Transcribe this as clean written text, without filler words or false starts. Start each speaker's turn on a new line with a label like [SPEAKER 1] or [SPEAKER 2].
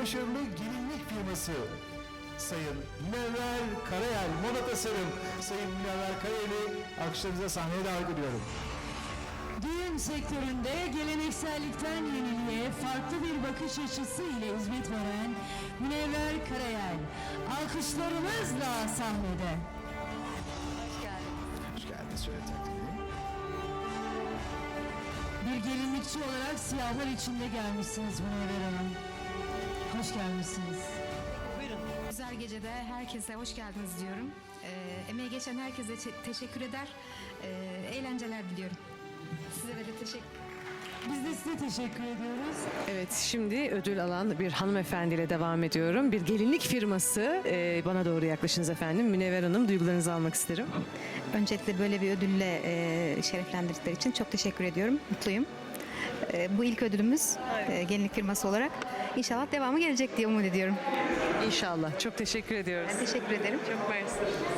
[SPEAKER 1] başarılı gelinlik firması Sayın Münevver Karayel Moda Tasarım. Sayın Münevver Karayel'i alkışlarınıza sahneye davet ediyorum.
[SPEAKER 2] Düğün sektöründe geleneksellikten yeniliğe farklı bir bakış açısı ile hizmet veren Münevver Karayel alkışlarımızla sahnede.
[SPEAKER 1] Hoş geldiniz. Şöyle takdim edeyim.
[SPEAKER 2] Bir gelinlikçi olarak siyahlar içinde gelmişsiniz Münevver Hanım. Hoş gelmişsiniz.
[SPEAKER 3] Güzel gecede herkese hoş geldiniz diyorum. Emeği geçen herkese teşekkür eder. Eğlenceler diliyorum. Size de teşekkür.
[SPEAKER 2] Biz de size teşekkür ediyoruz.
[SPEAKER 4] Evet, şimdi ödül alan bir hanımefendiyle devam ediyorum. Bir gelinlik firması. Bana doğru yaklaşınız efendim. Münevver Hanım, duygularınızı almak isterim.
[SPEAKER 3] Öncelikle böyle bir ödülle şereflendirdikleri için çok teşekkür ediyorum. Mutluyum. Bu ilk ödülümüz gelinlik firması olarak. İnşallah devamı gelecek diye umut ediyorum.
[SPEAKER 4] İnşallah. Çok teşekkür ediyoruz.
[SPEAKER 3] Ben teşekkür ederim.
[SPEAKER 4] Çok mersi.